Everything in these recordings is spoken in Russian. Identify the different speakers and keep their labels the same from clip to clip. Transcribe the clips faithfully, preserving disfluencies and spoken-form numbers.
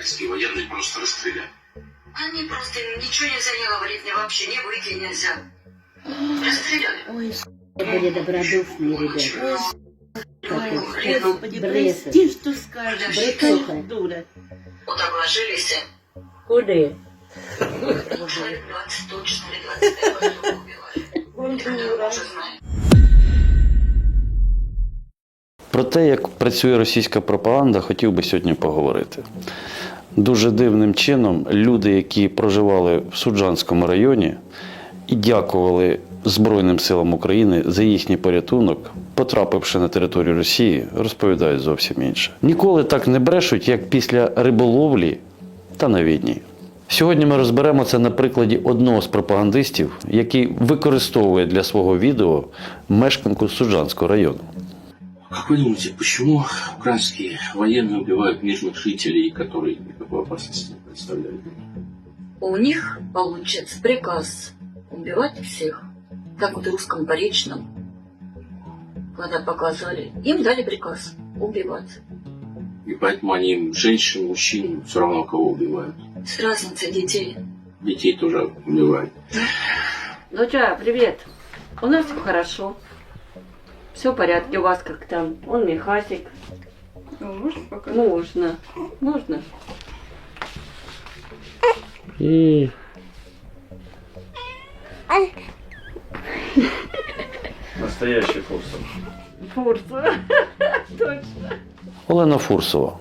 Speaker 1: украинские военные просто расстреляли.
Speaker 2: Они просто ничего нельзя не говорить, мне вообще не выйти нельзя. Расстреляли.
Speaker 3: Ой, были добродушные ребята.
Speaker 2: Ой,
Speaker 3: Господи, прости, что скажешь.
Speaker 2: Бретуха.
Speaker 3: Дура.
Speaker 2: Вот так ложились.
Speaker 3: Куда?
Speaker 2: Человек двадцать точно или двадцать пять потом убивали. Это мы уже знаем.
Speaker 4: Про те, як працює російська пропаганда, хотів би сьогодні поговорити. Дуже дивним чином люди, які проживали в Суджанському районі і дякували Збройним силам України за їхній порятунок, потрапивши на територію Росії, розповідають зовсім інше. Ніколи так не брешуть, як після риболовлі та на війні. Сьогодні ми розберемо це на прикладі одного з пропагандистів, який використовує для свого відео мешканку Суджанського району.
Speaker 1: Как вы думаете, почему украинские военные убивают мирных жителей, которые никакой опасности не представляют?
Speaker 2: У них получится приказ убивать всех. Как вот в русском поречном, когда показывали, им дали приказ убивать.
Speaker 1: И поэтому они женщин, мужчин, все равно кого убивают.
Speaker 2: С разницей детей.
Speaker 1: Детей тоже убивают.
Speaker 5: Доча, привет. У нас все хорошо. Все в порядке. У вас как там? Он Михасик.
Speaker 6: Можно пока?
Speaker 5: Можно. Можно.
Speaker 4: І... Настоящий Фурсов.
Speaker 5: Фурса. Точно.
Speaker 4: Олена Фурсова,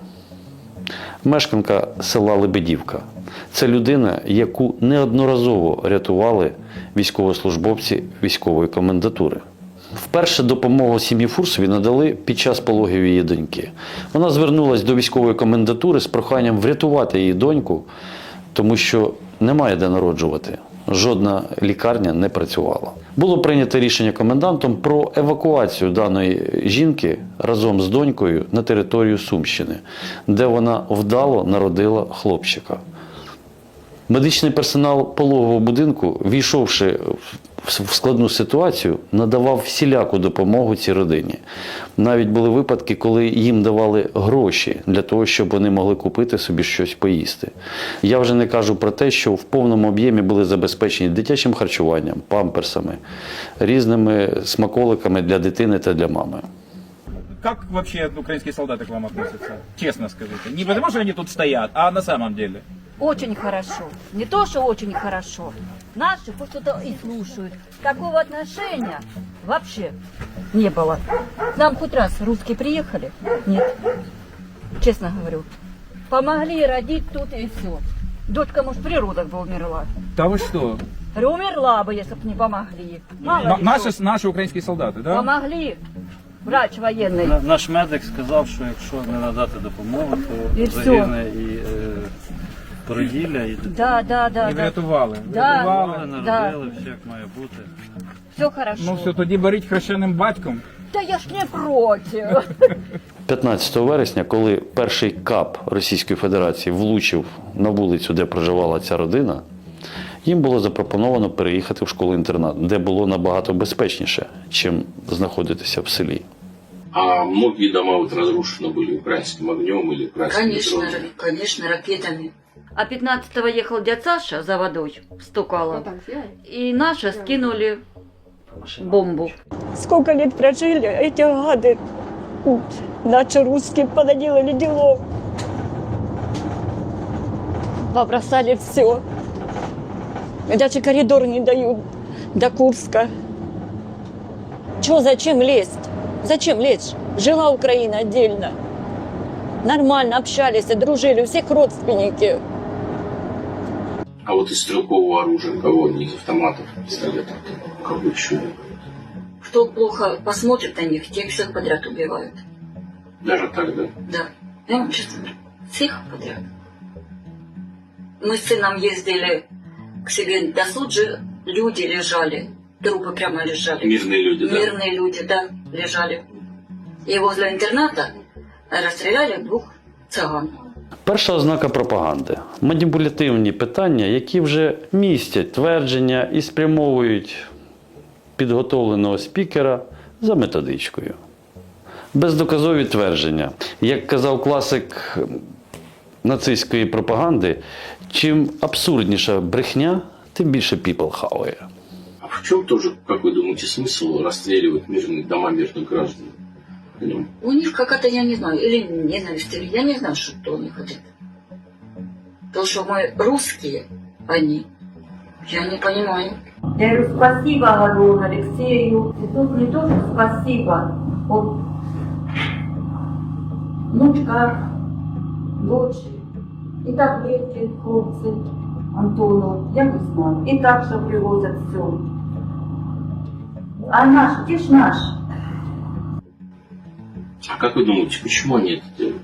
Speaker 4: мешканка села Лебедівка. Це людина, яку неодноразово рятували військовослужбовці військової комендатури. Вперше допомогу сім'ї Фурсові надали під час пологів її доньки. Вона звернулася до військової комендатури з проханням врятувати її доньку, тому що немає де народжувати. Жодна лікарня не працювала. Було прийнято рішення комендантом про евакуацію даної жінки разом з донькою на територію Сумщини, де вона вдало народила хлопчика. Медичний персонал пологового будинку, війшовши в складну ситуацію, надавав всіляку допомогу цій родині. Навіть були випадки, коли їм давали гроші для того, щоб вони могли купити собі щось поїсти. Я вже не кажу про те, що в повному об'ємі були забезпечені дитячим харчуванням, памперсами, різними смаколиками для дитини та для мами.
Speaker 7: Как вообще украинские солдаты к вам относятся? Честно скажите. Не потому, что они тут стоят, а на самом деле.
Speaker 8: Очень хорошо. Не то, что очень хорошо. Наши хоть что-то и слушают. Такого отношения вообще не было. К нам хоть раз русские приехали? Нет. Честно говорю. Помогли родить тут и все. Дочка, может, при родах бы умерла.
Speaker 7: Да вы что?
Speaker 8: Говорю, умерла бы, если бы не помогли. Мало
Speaker 7: Н-
Speaker 8: ли
Speaker 7: наши,
Speaker 8: что.
Speaker 7: наши украинские солдаты, да?
Speaker 8: Помогли. Врач военный.
Speaker 9: На- Наш медик сказав, що якщо не надати допомогу, то
Speaker 8: І все.
Speaker 9: загине і е, породілля, і
Speaker 8: Да, да, да.
Speaker 7: І
Speaker 8: да.
Speaker 7: врятували.
Speaker 8: Да.
Speaker 7: Врятували.
Speaker 9: народили, все як має бути.
Speaker 8: Все хорошо.
Speaker 7: Ну все, тоді беріть хрещеним батьком.
Speaker 8: Да я ж не против.
Speaker 4: п'ятнадцятого вересня, коли перший кап Російської Федерації влучив на вулицю, де проживала ця родина, їм було запропоновано переїхати в школу-інтернат, де було набагато безпечніше, чим знаходитися в селі.
Speaker 1: А многие дома вот разрушены были украинским огнем или украинскими
Speaker 2: Конечно,
Speaker 1: дронами.
Speaker 2: конечно, ракетами.
Speaker 5: А пятнадцатого ехал дядь Саша за водой, стукала.
Speaker 6: Вот так взяли.
Speaker 5: И наши скинули бомбу.
Speaker 10: Сколько лет прожили, эти гады, наши русские, понаделали делов. Побросали все. Даже коридор не дают до Курска. Чё, зачем лезть? Зачем лезть? Жила Украина отдельно. Нормально общались, дружили, у всех родственники.
Speaker 1: А вот из стрелкового оружия кого? Не из автоматов, пистолетов, какой чудо.
Speaker 2: Кто плохо посмотрит на них, тех всех подряд убивают.
Speaker 1: Даже так, да?
Speaker 2: Да. Я вам честно говорю, всех подряд. Мы с сыном ездили к себе до суджи, люди лежали, трупы прямо лежали.
Speaker 1: Мирные люди, да?
Speaker 2: Мирные люди, да, лежали. И возле интерната расстреляли двух цыган.
Speaker 4: Перша ознака пропаганди – маніпулятивні питання, які вже містять твердження і спрямовують підготовленого спікера за методичкою. Бездоказові твердження. Як казав класик нацистської пропаганди, чим абсурдніша брехня, тим більше піпл хаває.
Speaker 1: А в чем тоже, как вы думаете, смысл расстреливать мирные дома мирных граждан? Понимаете?
Speaker 2: У них какая-то, я не знаю, или ненависть, или я не знаю, что они хотят. То, что мы русские, они, я не понимаю.
Speaker 8: Я говорю, спасибо, говорю, Алексею. И тут мне тоже спасибо. Вот внучка, дочь, и таблетки, хлопцы, Антону, я не знаю. И так же привозят все. А наш, где ж наш?
Speaker 1: А как вы думаете, почему они это делают?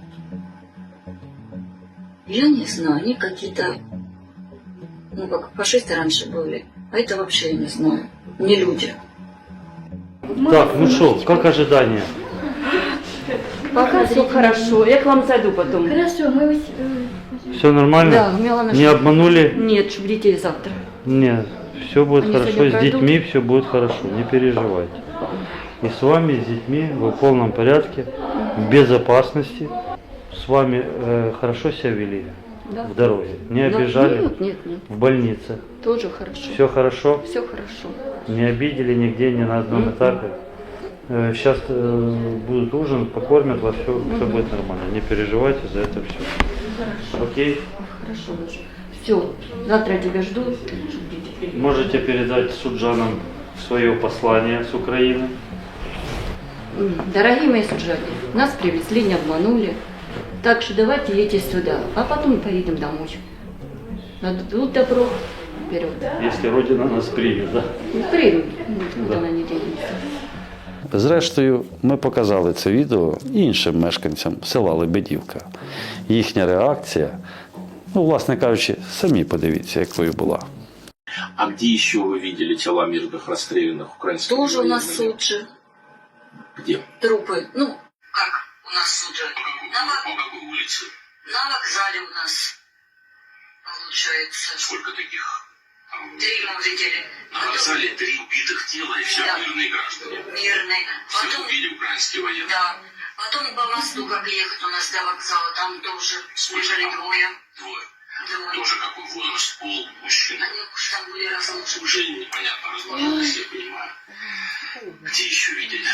Speaker 2: Я не знаю, они какие-то, ну как фашисты раньше были, а это вообще я не знаю, не люди.
Speaker 9: Так, ну что, как ожидания?
Speaker 5: Пока все хорошо. Я к вам зайду потом.
Speaker 3: Хорошо, мы вас...
Speaker 9: Все нормально?
Speaker 5: Да, Милана.
Speaker 9: Не обманули?
Speaker 5: Нет, чтобы детей завтра.
Speaker 9: Нет, все будет
Speaker 5: Они
Speaker 9: хорошо,
Speaker 5: сегодня
Speaker 9: с
Speaker 5: пройдут?
Speaker 9: детьми все будет хорошо, не переживайте. И с вами, и с детьми вы в полном порядке, в безопасности. С вами э, хорошо себя вели
Speaker 5: Да.
Speaker 9: в дороге, не
Speaker 5: Да.
Speaker 9: обижали
Speaker 5: Нет, нет, нет.
Speaker 9: в больнице.
Speaker 5: Тоже хорошо.
Speaker 9: Все хорошо,
Speaker 5: Все хорошо.
Speaker 9: не обидели нигде, ни на одном
Speaker 5: Мгм.
Speaker 9: этапе. Сейчас будут ужин, покормят вас, все, все будет нормально. Не переживайте за это все.
Speaker 5: Хорошо.
Speaker 9: Окей?
Speaker 5: Хорошо, Леша. Все, завтра я тебя жду. Чтобы дети приехали.
Speaker 9: Можете передать суджанам свое послание с Украины.
Speaker 5: М, Дорогие мои суджане, нас привезли, не обманули. Так что давайте едьте сюда, а потом поедем домой. Надо добро вперед.
Speaker 9: Если Родина нас примет, да?
Speaker 5: Ну, приедем, никуда
Speaker 9: Да.
Speaker 5: она не денется.
Speaker 4: Зрештою, ми показали це відео іншим мешканцям села Лебедівка. Їхня реакція, ну, власне кажучи, самі подивіться, якою була.
Speaker 1: А где еще вы видели тела мирных расстрелянных украинских
Speaker 2: Тоже у нас
Speaker 1: военных?
Speaker 2: суд же,
Speaker 1: Где?
Speaker 2: трупы, ну, как у нас суд же, на, вок-
Speaker 1: По какой улице?
Speaker 2: на вокзале у нас, получается,
Speaker 1: Сколько таких?
Speaker 2: три мы видели.
Speaker 1: На вокзале три убитых тела и все
Speaker 2: Да.
Speaker 1: мирные граждане.
Speaker 2: Мирный.
Speaker 1: Всех
Speaker 2: Потом,
Speaker 1: убили украинские военные.
Speaker 2: да, потом по мосту, как ехать у нас до вокзала, там тоже бежали двое.
Speaker 1: Двое.
Speaker 2: Двое.
Speaker 1: Тоже какой возраст, пол, мужчина.
Speaker 2: Они уж там были разлучены.
Speaker 1: Уже непонятно разложилось, я понимаю. Где еще видели?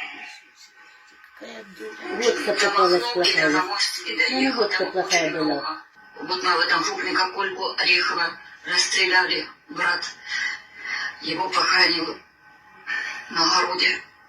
Speaker 3: Водка
Speaker 2: До
Speaker 3: попалась
Speaker 2: Махновки, до
Speaker 3: плохая.
Speaker 2: Заморски
Speaker 3: Ну,
Speaker 2: доехал,
Speaker 3: водка
Speaker 2: там
Speaker 3: плохая
Speaker 2: очень
Speaker 3: была.
Speaker 2: много. Вот мы в этом крупника Кольку Орехова расстреляли, брат его похоронил на огороде.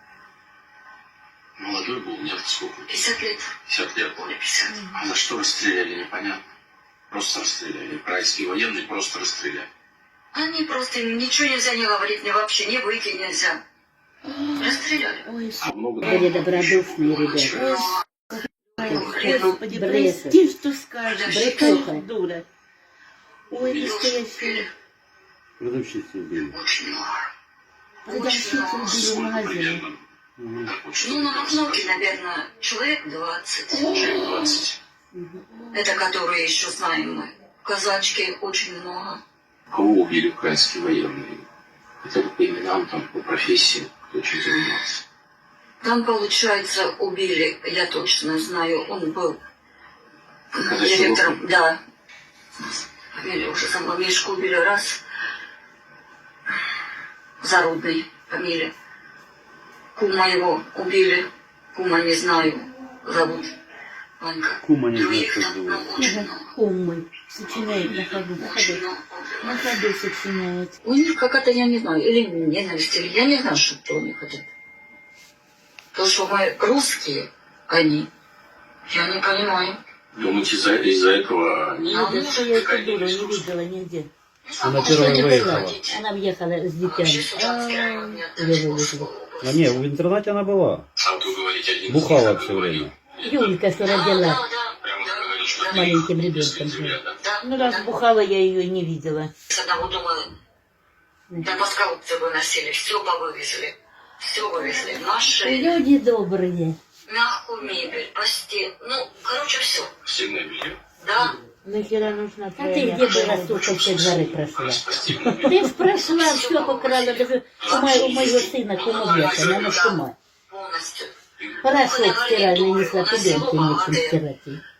Speaker 1: Молодой был, нет, сколько?
Speaker 2: пятьдесят лет.
Speaker 1: пятьдесят лет.
Speaker 2: Более пятьдесят.
Speaker 1: А за что расстреляли, непонятно. Просто расстреляли. Украинские военные просто расстреляли.
Speaker 2: Они просто ничего нельзя не говорить, мне вообще не выйти нельзя. Расстреляли.
Speaker 3: Ой,
Speaker 1: А много
Speaker 3: были добродушные ребята.
Speaker 2: Господи,
Speaker 3: Брешут.
Speaker 6: Ты что скажешь?
Speaker 3: Бретуха.
Speaker 6: Дура. Ой, настоящая.
Speaker 9: Продавщицу убили.
Speaker 2: Очень много.
Speaker 6: Продавщицу убили в магазине.
Speaker 1: Так вот, что
Speaker 2: Ну, на Махновке, наверное, человек двадцать.
Speaker 1: человек двадцать.
Speaker 2: Это которые еще знаем мы. Казачки очень много.
Speaker 1: Кого убили украинские военные? Это по именам, там, по профессии, кто чем занимался.
Speaker 2: Там, получается, убили, я точно знаю, он был директором, да. Фамилия уже сама, Мишку убили раз. Зарудный фамилия. Кума его убили. Кума не знаю, зовут Ванька.
Speaker 9: Кума не знаю,
Speaker 2: Других
Speaker 9: как
Speaker 2: там,
Speaker 9: зовут.
Speaker 2: ну, очень много.
Speaker 6: Умный. Сочиняет на ходу. На
Speaker 2: Очень
Speaker 6: ходу.
Speaker 2: много.
Speaker 6: На ходу сочиняет.
Speaker 2: У них какая-то, я не знаю, или ненависть, или я не знаю, что они хотят. То, что мы русские, они, я не понимаю.
Speaker 1: Думаете, из-за из этого они...
Speaker 2: А
Speaker 6: Видишь, что я эту
Speaker 1: какая
Speaker 6: дуру не
Speaker 1: ненависть русская?
Speaker 6: видела нигде.
Speaker 2: Она
Speaker 9: первая выехала.
Speaker 6: Она въехала с
Speaker 2: Вообще
Speaker 6: детьми.
Speaker 2: Суджанский район не
Speaker 6: Ее
Speaker 2: оттащил
Speaker 6: вывезли.
Speaker 2: свою
Speaker 9: А не, в интернате она была.
Speaker 1: А вот вы говорите, один из
Speaker 9: Бухала
Speaker 1: них
Speaker 9: все
Speaker 1: говорил.
Speaker 9: время.
Speaker 6: Юлька, что
Speaker 2: Да,
Speaker 6: родила
Speaker 2: да,
Speaker 1: Прямо
Speaker 2: да,
Speaker 1: говорит, что
Speaker 2: да.
Speaker 1: ты
Speaker 6: маленьким
Speaker 1: их
Speaker 6: ребенком.
Speaker 1: земля, да?
Speaker 2: Да,
Speaker 6: Ну, раз
Speaker 2: да.
Speaker 6: бухала, я ее не видела.
Speaker 2: С одного дома до Паскаловца выносили, все повывезли. Все вывезли. Наши,
Speaker 6: Люди добрые.
Speaker 2: мягкую мебель, постель. Ну, короче, все.
Speaker 1: Стильное белье.
Speaker 2: Да.
Speaker 6: Нахера нужна
Speaker 3: А
Speaker 6: твоя
Speaker 3: ты где
Speaker 6: мягкая
Speaker 3: была,
Speaker 6: мебель?
Speaker 3: сколько все дворы прошла?
Speaker 1: Постельное белье.
Speaker 6: Ты ж прошла, все покрала. Даже у, мо- у моего сына кумовьяка, она кума.
Speaker 2: Полностью.
Speaker 6: Порошок стиральный несла, пеленки нечем стирать. ей.
Speaker 1: Прямо и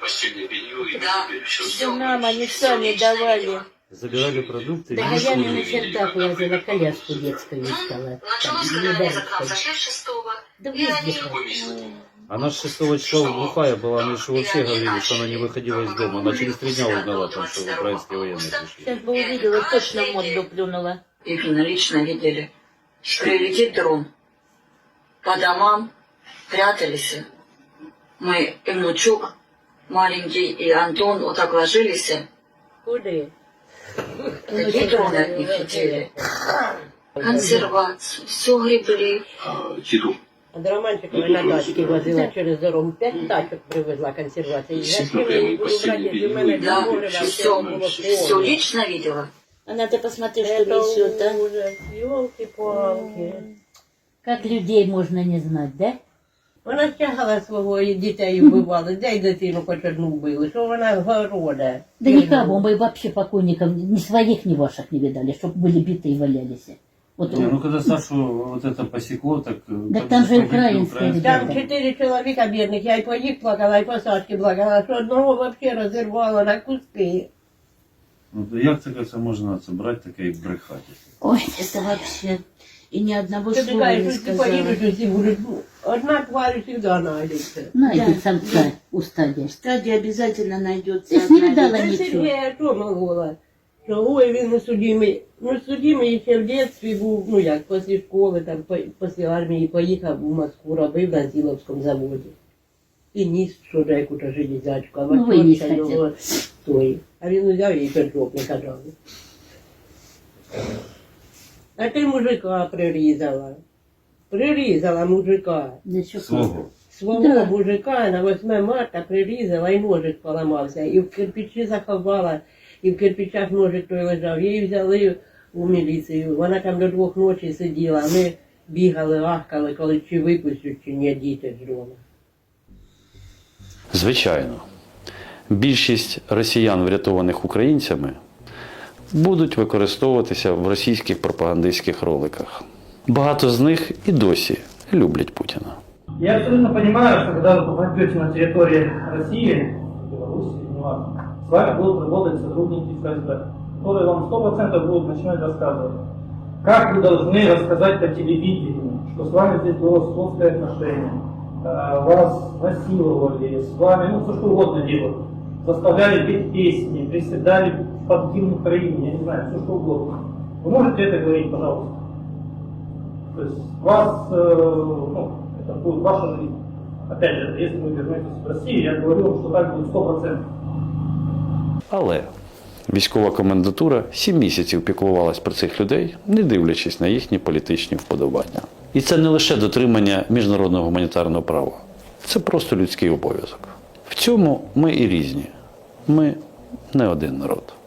Speaker 1: постельное белье и
Speaker 2: Да,
Speaker 1: все.
Speaker 6: Все нам они сами давали.
Speaker 9: Забирали продукты.
Speaker 6: Да, а я не на чердак лазила, коляску детскую искала.
Speaker 2: Началось,
Speaker 6: Там,
Speaker 2: когда
Speaker 6: не
Speaker 2: они за к нам
Speaker 6: дальше.
Speaker 2: зашли шестого.
Speaker 6: Да
Speaker 2: И они...
Speaker 6: везде.
Speaker 9: Она с шестого числа глухая была, мы же вообще говорили, что она не выходила из дома. Она через три дня узнала, там, что украинские военные пришли.
Speaker 6: Сейчас бы увидела, точно в морду плюнула.
Speaker 2: Именно лично видели. Прилетит дрон. По домам прятались. Мы и внучок маленький, и Антон вот так ложились.
Speaker 6: Куда?
Speaker 2: Такие дроны от них летели. Консервацию, все гребли.
Speaker 1: А, еду.
Speaker 6: А до Романчикова на дачке возила через дорогу. Пять тачок привезла консервации. Зачем я не буду брать, если у меня
Speaker 2: Да,
Speaker 6: море во
Speaker 2: все,
Speaker 6: всем было
Speaker 2: все
Speaker 6: полно.
Speaker 2: лично видела.
Speaker 6: Она, ты посмотри, что
Speaker 10: Это
Speaker 6: несет, а?
Speaker 10: ужас, елки-палки.
Speaker 3: Как людей можно не знать, да?
Speaker 6: Вона стягала свого і дітей вбивала, дай дитину хоч одну вбили, що вона города.
Speaker 3: Да никого, мы вообще покойников ни своих, ни ваших не видали, чтобы были биты и валялись. Вот
Speaker 9: Не, ну когда Сашу вот это посекло, так...
Speaker 3: Да там же украинские
Speaker 6: Там
Speaker 3: ребята.
Speaker 6: чотири чоловіка бідних, я й по їх плакала, і по Сашки плакала, що одного вообще розірвала на куски.
Speaker 9: Ну, то як це, це можна це брати таке і брехати?
Speaker 3: Ой,
Speaker 6: Это вообще... І ні одного
Speaker 10: Ти
Speaker 6: слова не
Speaker 10: кажеш, що ти
Speaker 6: сказала.
Speaker 10: поїдеш, усі будуть, ну, одна тварь завжди знайдеться.
Speaker 3: найди самца у стадия.
Speaker 6: Стадія обязательно найдеться.
Speaker 3: Ти ж не видала
Speaker 6: одна.
Speaker 3: нічого.
Speaker 6: Сергія що могла? Що ой, він не судимий. Ну, судимий ще в дитинстві був, ну як, після школи, там, по- після армії поїхав у Москву, робив на Зіловському заводі. І ніс, що яку-то железячку, а
Speaker 3: Ну, виніс
Speaker 6: ватьорка його той. А він взяв і пержок не казав. А ти мужика прирізала. Прирізала мужика.
Speaker 3: Да что
Speaker 9: Свого.
Speaker 6: Свого
Speaker 3: Да.
Speaker 6: мужика на восьме марта прирізала і ножик поламався. І в кирпичі заховала, і в кирпичах ножик той лежав. Її взяли у міліцію. Вона там до двох ночі сиділа. Ми бігали, ахкали, коли чи випустять, чи ні, діти з дому.
Speaker 4: Звичайно, більшість росіян, врятованих українцями, будуть використовуватися в російських пропагандистських роликах. Багато з них і досі люблять Путіна.
Speaker 11: Я абсолютно понимаю, что когда вы попадете на территорию России, Беларуси, неважно, с вами будут работать сотрудники ФСБ, которые вам сто процентов будут начинать рассказывать, как вы должны рассказать по телевидению, что с вами здесь было сходское отношение, э, вас насиловали, с вами, ну, все что угодно делали, заставляли петь песни, приседали под гимн Украины, я не знаю, все что угодно. Вы можете это говорить, пожалуйста? То есть вас, э, ну, это будет ваша жизнь. Опять же, если вы вернетесь в Россию, я говорю вам, что так будет сто процентов.
Speaker 4: Але військова комендатура сім місяців піклувалась про цих людей, не дивлячись на їхні політичні вподобання. І це не лише дотримання міжнародного гуманітарного права. Це просто людський обов'язок. В цьому ми і різні. Ми не один народ.